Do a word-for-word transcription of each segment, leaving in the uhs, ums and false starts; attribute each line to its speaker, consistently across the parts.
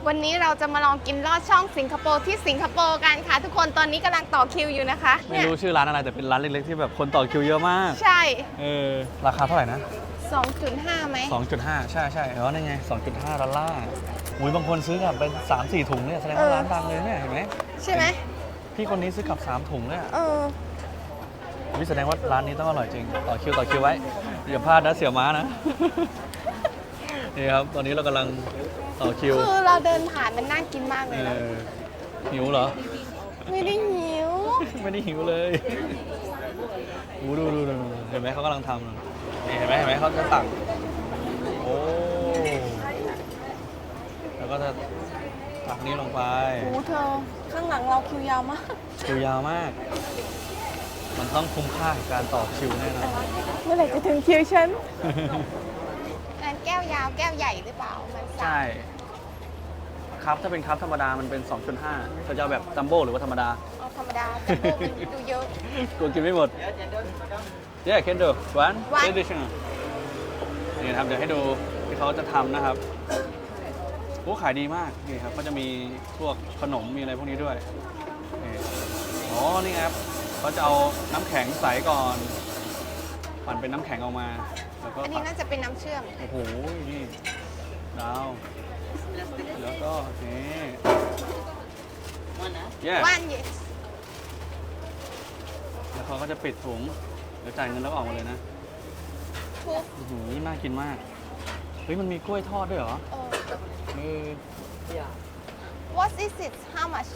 Speaker 1: วันนี้เราจะมาลองกินลอดช่องสิงคโปร์ที่สิงคโปร์กันค่ะทุกคนตอนนี้กำลังต่อคิวอยู่นะคะ
Speaker 2: ไม่รู้ชื่อร้านอะไรแต่เป็นร้านเล็กๆที่แบบคนต่อคิวเยอะมาก
Speaker 1: ใช่
Speaker 2: เออราคาเท่าไหร่นะ
Speaker 1: สองจุดห้า ไหม
Speaker 2: สองจุดห้า ใช่ใช่แล้วนี่ไง สองจุดห้า ดอลลาร์อุ้ยบางคนซื้อกลับเป็น สามสี่ ถุงเนี่ยแสดงว่าร้านดังเลยเนี่ยเห็นไหม
Speaker 1: ใช่ไหม
Speaker 2: พี่คนนี้ซื้อกลับสามถุงเลยอะ
Speaker 1: เออ
Speaker 2: วิแสดงว่าร้านนี้ต้องอร่อยจริงต่อคิวต่อคิวไว้อย่าพลาดนะเสี่ยวม้านะ นี่ครับตอนนี้เรากำลังต่อคิว
Speaker 1: คือเราเดินผ่านมันน่ากินมากเลย
Speaker 2: เอ
Speaker 1: นะ
Speaker 2: อหิวเหรอ
Speaker 1: ไม่ได้หิว
Speaker 2: ไม่ได้หิวเลยดูดูดูดูเห็นไหมเขากำลังทำนี่เห็นไหมเห็นไหมเขาจะตักโอ้แล้วก็จะตักนี้ลงไป
Speaker 1: โอ้เธอข้างหลังเราคิวยาวมาก
Speaker 2: คิวยาวมาก มันต้องคุ้มค่ากับการต่อคิวแน่นอน
Speaker 1: เมื่อไหร่จะถึงคิวฉันอันแก้วยาวแก้วใหญ่หรือเปล่ามันสั่ง
Speaker 2: ใช่ครับถ้าเป็นครับธรรมดามันเป็น สองจุดห้าเธอจะเอาแบบจัมโบ้หรือว่าธรรมดา
Speaker 1: เอาธรรมดาแต่โบมันดูเยอะ
Speaker 2: กลัวกินไม่หมด Yeah can do one
Speaker 1: One
Speaker 2: additional นี่นะครับเดี๋ยวให้ดูที่เขาจะทำนะครับโอ้ขายดีมากนี่ครับก็จะมีพวกขนมมีอะไรพวกนี้ด้วยนี่อ๋อนี่ครับเขาจะเอาน้ำแข็งใสก่อนปั่นเป็นน้ำแข็งออกมาแล้วก็
Speaker 1: อันนี้น่าจะเป็นน้ำเชื่อม
Speaker 2: โอ้โหนี่ดาวแล้วก็นี่ Yeah
Speaker 1: ว่านเยส
Speaker 2: แล้วเขาก็จะปิดถุงเดี๋ยวจ่ายเงินแล้วก็ออกมาเลยนะ
Speaker 1: ทุก
Speaker 2: โอ้โหน่ากินมาก เฮ้ย มันมีกล้วยทอดด้วยเหรอ
Speaker 1: เออ
Speaker 2: เออ
Speaker 1: What is it How much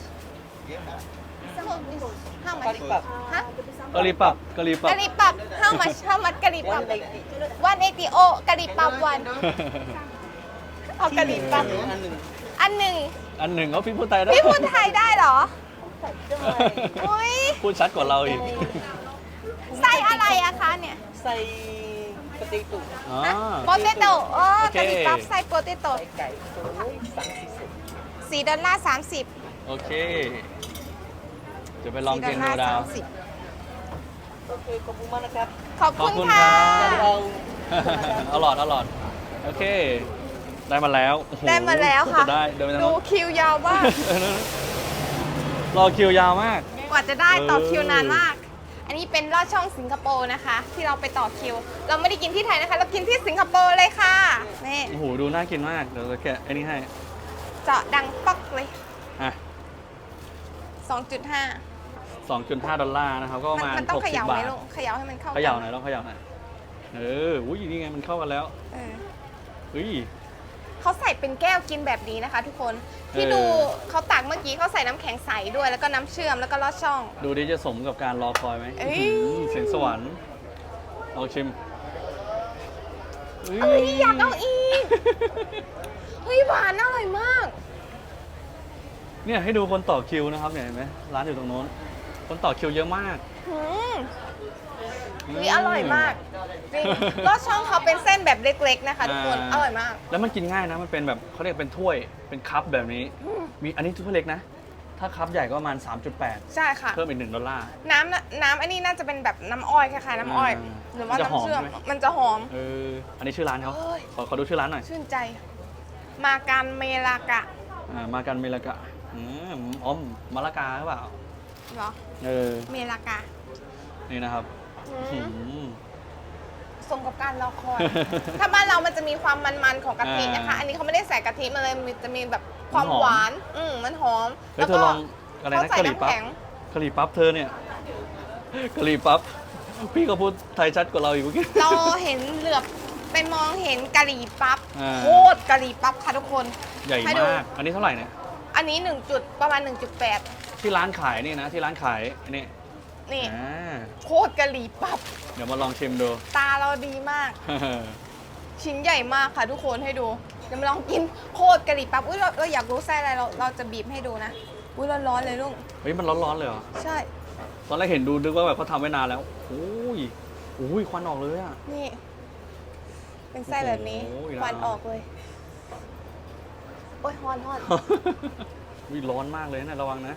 Speaker 1: So this How much ฮะ
Speaker 2: กะหรี่ปั๊บกะหรี่ปั๊บ
Speaker 1: กะหรี่ปั๊บ How much How much กะหรี่ปั๊บone eightyโอกะหรี่ปั๊บวันเอากะหรี่ปั๊บอันหนึ่ง
Speaker 2: อันหนึ่งเขาพี่พูดไทยได้
Speaker 1: พี่พูดไทยได้เหรออุ้ย
Speaker 2: พูดชัดกว่าเราอีก
Speaker 1: ไส้อะไรอะคะเนี่ย
Speaker 3: ใส่กระติกตุ่
Speaker 2: อ๋อ
Speaker 1: โปเตโต้อ๋อ
Speaker 2: โอเค
Speaker 1: กะหรี่ปั๊บไส้โปเตโต้
Speaker 3: ไก่ตัวสั่งสี่สิบ
Speaker 1: สี่ดอลลาร์สามสิบ
Speaker 2: โอเค เดี๋ยวไปลอง
Speaker 1: สี่ด
Speaker 2: กิ
Speaker 1: อน ลลาร์
Speaker 2: ดูดาว
Speaker 1: สามสิบ
Speaker 3: โอเคขอบคุณมากนะครับ
Speaker 1: ขอบ
Speaker 2: ขอบ
Speaker 1: คุ
Speaker 2: คุณ ณ
Speaker 1: ค่ะ
Speaker 2: ครับ
Speaker 3: เรา
Speaker 2: อร่อยอร่อยโอเค ได้มาแล้วโอ้โห
Speaker 1: ได้มาแล้วค่ะ
Speaker 2: จได้เดินไปทาง
Speaker 1: ดู
Speaker 2: โน้น
Speaker 1: คิวยาวมาก
Speaker 2: รอคิวยาวมาก
Speaker 1: กว่าจะได้ต่อ
Speaker 2: เออ
Speaker 1: คิวนานมาก อันนี้เป็นลอดช่องสิงคโปร์นะคะ ที่เราไปต่อคิว เราไม่ได้กินที่ไทยนะคะ เรากินที่สิงคโปร์เลยค่ะ นี่
Speaker 2: โอ้โห ดูน่ากินมาก เดี๋ยวจะแกะไอ้นี่ให้
Speaker 1: เจาะดังป๊อกเลย
Speaker 2: อ่ะ
Speaker 1: สองจุดห้า
Speaker 2: สองจุดห้า ดอลลาร์นะครับ ก็ประมาณ
Speaker 1: มันต้อง
Speaker 2: หก
Speaker 1: เข
Speaker 2: สิบ
Speaker 1: ย่าไหม
Speaker 2: บาท
Speaker 1: ลูกเขย่าให้มันเข้า
Speaker 2: เขย่าหน่อยลองเขย่าหน่อย เออ อุ้ยนี่ไงมันเข้ากันแล้ว
Speaker 1: เออ
Speaker 2: เฮ้ย
Speaker 1: เขาใส่เป็นแก้วกินแบบนี้นะคะ ทุกคน ที่
Speaker 2: เออ
Speaker 1: ดูเขาตักเมื่อกี้เขาใส่น้ำแข็งใสด้วย แล้วก็น้ำเชื่อม แล้วก็ลอดช่อง
Speaker 2: ดูดิจะสมกับการรอคอยไหม
Speaker 1: เอ้ย
Speaker 2: อื้อหือเสียงสวรรค์ลองชิม
Speaker 1: เอ้ยอยากเอาอีก เฮ้ยหวานอร่อยมาก
Speaker 2: เนี่ยให้ดูคนต่อคิวนะครับเนี่ยเห็นไหมร้านอยู่ตรงโน้น คนต่อคิวเยอะมาก
Speaker 1: อืมนี่อร่อยมากจริงลอดช่องเขาเป็นเส้นแบบเล็กๆนะคะทุกคน อร่อยมาก
Speaker 2: แล้วมันกินง่ายนะ มันเป็นแบบเขาเรียกเป็นถ้วย เป็นคัพแบบนี้ มีอันนี้ถ้วยเล็กนะ ถ้าคัพใหญ่ก็ประมาณ สามจุดแปด
Speaker 1: ใช่ค่ะ
Speaker 2: เพิ่มอีกหนึ่งดอลลาร์
Speaker 1: น้ำน่ะน้ำอันนี้น่าจะเป็นแบบน้ำอ้อยคล้ายๆน้ำอ้อย
Speaker 2: อ่า
Speaker 1: หรือว่า
Speaker 2: มันจะหอ
Speaker 1: น้ำ
Speaker 2: ม
Speaker 1: เชื่อม
Speaker 2: ใช่ไหม
Speaker 1: มันจะหอม
Speaker 2: เออ อันนี้ชื่อร้านเขา
Speaker 1: เอ้ย
Speaker 2: ขอขอดูชื่อร้านหน่อย
Speaker 1: ชื่นใจ มาการเมลากะ
Speaker 2: อ่ามากันเมลากะอืมอ๋อมมะละกาหรือเปล่า
Speaker 1: เหรอ
Speaker 2: เออ
Speaker 1: เมลากะ
Speaker 2: นี่นะครับ
Speaker 1: อืม
Speaker 2: อืม
Speaker 1: สมกับการรอคอย ถ้าบ้านเรามันจะมีความมันๆของกะทินะคะ
Speaker 2: อ่า
Speaker 1: อันนี้เขาไม่ได้ใส่กะทิมาเลยมันจะมีแบบความ
Speaker 2: มันหอม
Speaker 1: หวาน อืมมันหอม
Speaker 2: เฮ้ยเธอลองอะไร
Speaker 1: เขา
Speaker 2: นะ
Speaker 1: ใส่
Speaker 2: กะหรี่
Speaker 1: น้ำ
Speaker 2: ปั๊บ
Speaker 1: แข็ง
Speaker 2: กะหรี่ปั๊บเธอเนี่ยกะหรี่ปั๊บพี่ก็พูดไทยชัดกว่าเราอีกเมื่อกี้
Speaker 1: เราเห็นเหลือบไปมองเห็นกะหรี่ปั๊บ
Speaker 2: อ่า
Speaker 1: โคตรกะหรี่ปั๊บค่ะทุกคน
Speaker 2: ใหญ่
Speaker 1: ให้ดู
Speaker 2: มาก อันนี้เท่าไหร่เนี่ย
Speaker 1: อันนี้หนึ่งจุดประมาณ หนึ่งจุดแปด
Speaker 2: ที่ร้านขายนี่นะ ที่ร้านขายอันนี้
Speaker 1: นี่
Speaker 2: อ่า
Speaker 1: โคตรกะหรี่ปั๊บ
Speaker 2: เดี๋ยวมาลองชิมดู
Speaker 1: ตาเราดีมาก ชิ้นใหญ่มากค่ะทุกคนให้ดูเดี๋ยวมาลองกินโคตรกะหรี่ปั๊บอุ้ยเราเราอยากรู้ไส้อะไรเราเราจะบีบให้ดูนะอุ้ยร้อนๆเลยลุง
Speaker 2: เฮ้ยมันร้อนๆเลยเหรอ
Speaker 1: ใช่
Speaker 2: ตอนแรกเห็นดูนึกว่าแบบเขาทำไว้นานแล้วโอ้ยโอ้ยควันออกเลยอะ
Speaker 1: นี่ เป็นไส้แบบนี้
Speaker 2: โอ้โห
Speaker 1: ควันออกเลยโอ้ยฮอนฮอน
Speaker 2: วิร้อนมากเลยนะระวังนะ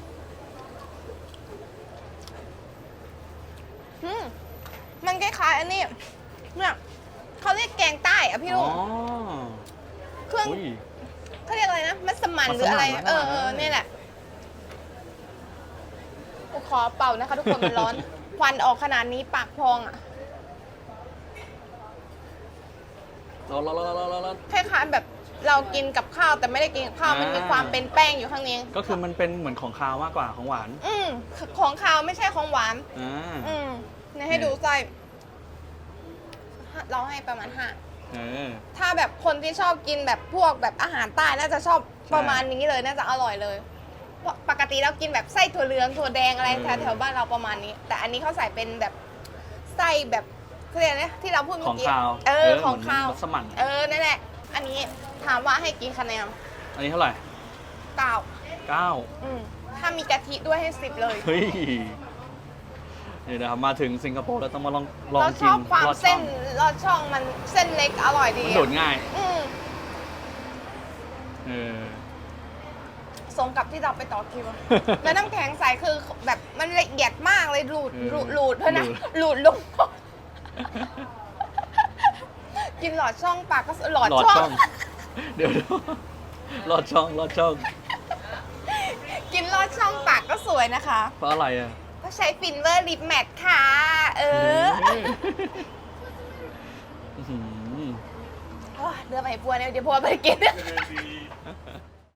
Speaker 1: อืมมันคล้ายๆอันนี้เนี่ยเขาเรียกแกงใต้อะพี่ลุ
Speaker 2: อ๋
Speaker 1: ง
Speaker 2: อ
Speaker 1: เครื่อง
Speaker 2: อุ้ย
Speaker 1: เขาเรียกอะไรนะมัสมั่นหรืออะไร
Speaker 2: มัสมั่น
Speaker 1: เออเออ
Speaker 2: มัสมั่น
Speaker 1: นี่แหละขอเป่านะคะ ทุกคนมันร้อน ควันออกขนาดนี้ปากพองอ่ะ
Speaker 2: ร้อนร้อนร้อนร้อนร้อนร้อน
Speaker 1: คล้ายๆแบบเรากินกับข้าวแต่ไม่ได้กินกับข้าว มันมี
Speaker 2: อ่า
Speaker 1: ความเป็นแป้งอยู่ข้างใน
Speaker 2: ก็คือมันเป็นเหมือนของคาวมากกว่าของหวาน
Speaker 1: อืมของข้าวไม่ใช่ของหวาน
Speaker 2: อ่า
Speaker 1: อืมเนี่ยให้ดูไส้เราให้ประมาณห้า
Speaker 2: เออ
Speaker 1: ถ้าแบบคนที่ชอบกินแบบพวกแบบอาหารใต้น่าจะชอบประมาณนี้เลยน่าจะอร่อยเลยเพราะปกติเรากินแบบไส้ถั่วเหลืองถั่วแดงอะไร
Speaker 2: เออ
Speaker 1: แถวๆบ้านเราประมาณนี้ แต่อันนี้เขาใส่เป็นแบบไส้แบบเขาเรียกอะไรนะที่เราพูด
Speaker 2: ข
Speaker 1: เมื่
Speaker 2: อ
Speaker 1: อง กี้
Speaker 2: คาว
Speaker 1: เออ
Speaker 2: เห
Speaker 1: ของ
Speaker 2: มืน
Speaker 1: ข้าว
Speaker 2: มัสมั่น
Speaker 1: เออนั่นแหละ อันนี้ถามว่าให้กี่คะแนน
Speaker 2: อันนี้เท่าไหร่
Speaker 1: เก้า
Speaker 2: เก้า
Speaker 1: อืมถ้ามีกะทิด้วยให้สิบเลย
Speaker 2: เฮ้ยนี่นะครับมาถึงสิงคโปร์เราต้องมาลองลอง
Speaker 1: เราช
Speaker 2: กิน
Speaker 1: อบความ
Speaker 2: ลอดช่
Speaker 1: เส้
Speaker 2: อน ง
Speaker 1: ลอดช่องมันเส้นเล็กอร่อยดี
Speaker 2: มันโดดง่าย
Speaker 1: อืม
Speaker 2: เออ
Speaker 1: สมกับที่เราไปต่อคิว แล้วน้ำแข็งใสคือแบบมันละเอียดมากเลยหลุด
Speaker 2: เออ
Speaker 1: หลุดหลุดเพื่อนนะ
Speaker 2: หลุด
Speaker 1: หลุดลง กินหลอดช่องปากก็สหลอด
Speaker 2: หลอด
Speaker 1: ช่
Speaker 2: ช่
Speaker 1: อ
Speaker 2: อง ง เดี๋ยวหลอดช่องหลอดช่อง
Speaker 1: กินหลอดช่องปากก็สวยนะคะ
Speaker 2: เพราะอะไรอ่ะ
Speaker 1: ก็ใช้ฟินเวอร์ลิปแมทค่ะ เออ
Speaker 2: อื้อหือ
Speaker 1: โอ้ยเดือไปพัวเนี่ยเดี๋ยวพัวไปกิน